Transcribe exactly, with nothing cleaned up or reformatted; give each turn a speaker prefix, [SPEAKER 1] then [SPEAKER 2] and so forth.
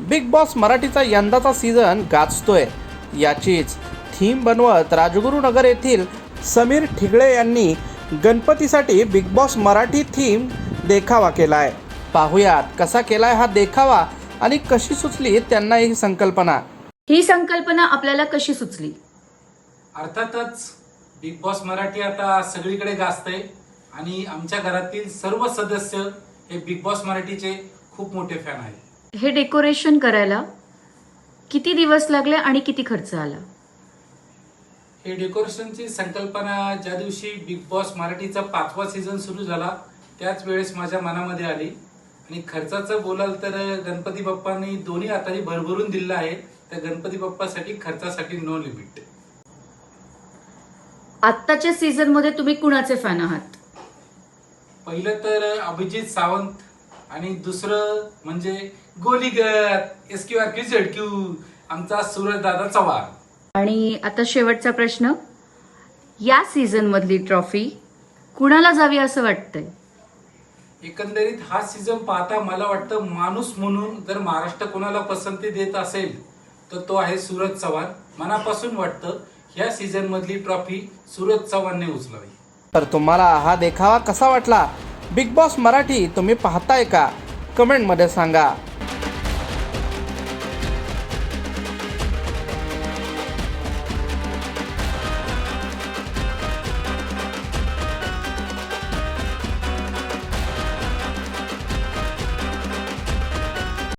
[SPEAKER 1] Big boss मराठीचा यंदाचा season गाजतोय. याचीच थीम बनवत राजगुरुनगर येथील समीर ठिगळे यांनी गणपतीसाठी बिग बॉस मराठी थीम देखावा केलाय. पाहुयात कसा केलाय हा देखावा आणि कशी सुचली त्यांना ही संकल्पना.
[SPEAKER 2] ही संकल्पना आपल्याला कशी सुचली?
[SPEAKER 3] अर्थातच बिग बॉस मराठी आता सगळीकडे गाजतंय आणि आमच्या घरातील सर्व सदस्य हे बिग बॉस मराठीचे खूप मोठे फॅन आहेत.
[SPEAKER 2] हे डेकोरेशन करायला किती दिवस लागले आणि किती खर्च आला?
[SPEAKER 3] हे डेकोरेशनची संकल्पना ज्या दिवशी बिग बॉस मराठीचा पाचवा सीझन सुरू झाला त्याच वेळेस माझ्या मनामध्ये आली. आणि खर्चाचं बोलाल तर गणपती बाप्पांनी दोन्ही हातांनी भरभरून दिलं आहे. त्या गणपती बाप्पासाठी खर्चासाठी नो लिमिट.
[SPEAKER 2] आत्ताच्या सीझन मध्ये तुम्ही कुणाचे फॅन आहात?
[SPEAKER 3] पहिलं तर अभिजित सावंत आणि दुसरं म्हणजे गोलीगत S Q R Q Z Q आमचा सूरज दादा चव्हाण.
[SPEAKER 2] आणि आता शेवटचा प्रश्न, या सीझन मधली ट्रॉफी कुणाला जावी असं वाटतंय?
[SPEAKER 3] एकंदरीत हा सीझन पाहता मला वाटतं माणूस म्हणून जर महाराष्ट्र कोणाला पसंती देत असेल तर तो आहे सूरज चव्हाण. मनापासून वाटतं ह्या सीझन मधली ट्रॉफी सूरज चव्हाणने उचलावी.
[SPEAKER 1] तर तुम्हाला हा देखावा कसा वाटला? बिग बॉस मराठी तुम्ही पाहताय का? कमेंटमध्ये सांगा.